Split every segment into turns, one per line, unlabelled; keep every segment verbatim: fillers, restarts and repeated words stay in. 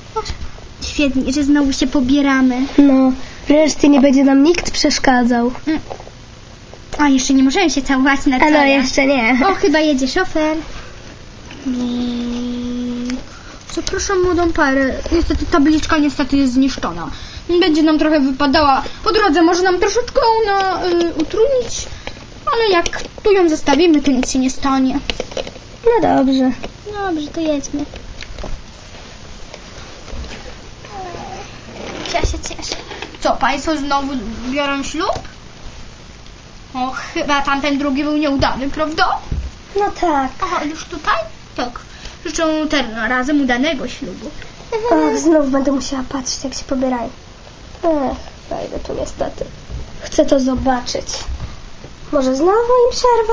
Świetnie, że znowu się pobieramy.
No, wreszcie nie będzie nam nikt przeszkadzał.
Mm. A, jeszcze nie możemy się całować na
A
czole.
no, jeszcze nie.
O, chyba jedzie szofer. Mm. Zapraszam młodą parę. Niestety tabliczka niestety jest zniszczona. Będzie nam trochę wypadała po drodze, może nam troszeczkę ona y, utrudnić, ale jak tu ją zostawimy, to nic się nie stanie.
No dobrze.
Dobrze, to jedźmy. Ja się cieszę. Co, państwo znowu biorą ślub? O, chyba tamten drugi był nieudany, prawda?
No tak.
Aha, już tutaj? Tak. Życzę tym razem udanego ślubu.
Och, znów będę musiała patrzeć, jak się pobierają. Ech, wejdę tu niestety. Chcę to zobaczyć. Może znowu im przerwę?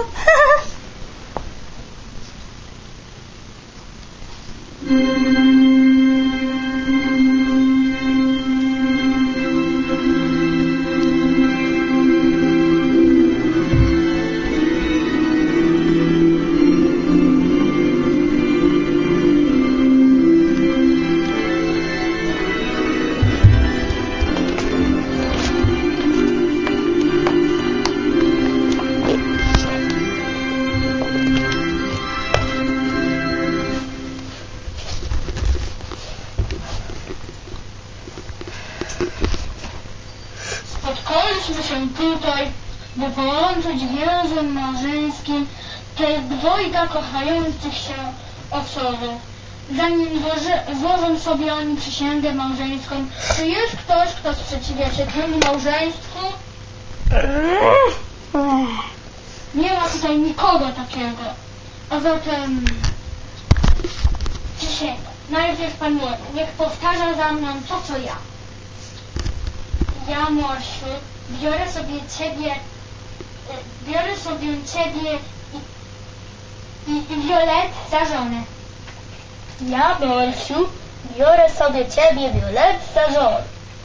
Spotkaliśmy się tutaj, by połączyć więzem małżeńskim te dwojga kochających się osoby. Zanim złoży, złożą sobie oni przysięgę małżeńską, czy jest ktoś, kto sprzeciwia się temu małżeństwu? Nie ma tutaj nikogo takiego. A zatem przysięga. Najpierw pan młody, niech powtarza za mną to, co ja. Ja, Morsiu, biorę sobie ciebie, y, biorę sobie ciebie i, i, i Violet za żonę. Ja, Morsiu, biorę sobie ciebie, Violet, za żonę.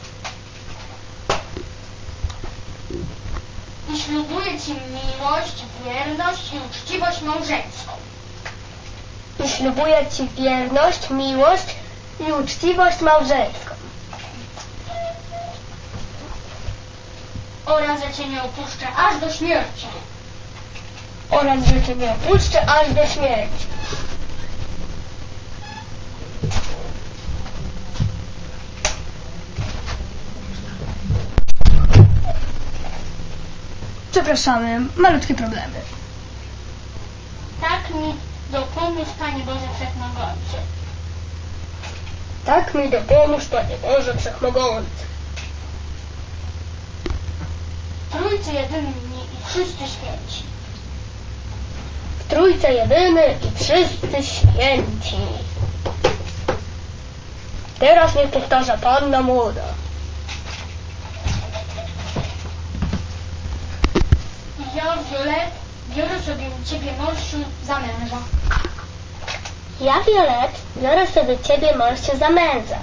I ślubuję ci miłość, wierność i uczciwość małżeńską. I ślubuję ci wierność, miłość i uczciwość małżeńską. Oraz, że cię nie opuszczę aż do śmierci. Oraz, że cię nie opuszczę aż do śmierci.
Przepraszamy, malutkie problemy.
Tak mi dopomóż, Panie Boże Wszechmogący.
Tak mi dopomóż, Panie Boże Wszechmogący.
Trójcy jedyni i wszyscy święci.
W Trójce jedyny i wszyscy święci. Teraz niech powtarza Panna Młoda.
Ja, Violet, biorę sobie ciebie, Morsiu, za męża.
Ja, Violet, biorę sobie ciebie, Morsiu, za męża.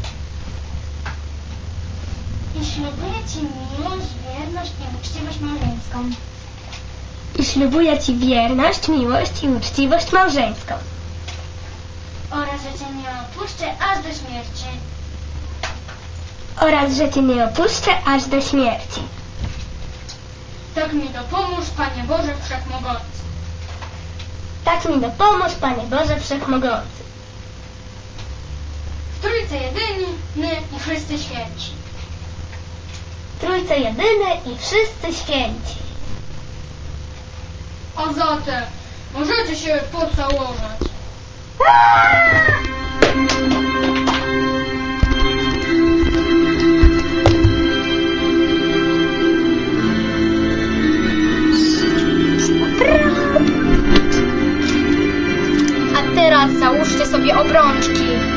I ślubuję ci miłość, wierność i uczciwość małżeńską.
I ślubuję ci wierność, miłość i uczciwość małżeńską.
Oraz, że cię nie opuszczę aż do śmierci.
Oraz, że cię nie opuszczę aż do śmierci.
Tak mi dopomóż, Panie Boże Wszechmogący.
Tak mi dopomóż, Panie Boże Wszechmogący.
W Trójce jedyni, my i wszyscy święci.
W Trójce jedyny i wszyscy święci.
A zatem możecie się pocałować.
A teraz załóżcie sobie obrączki.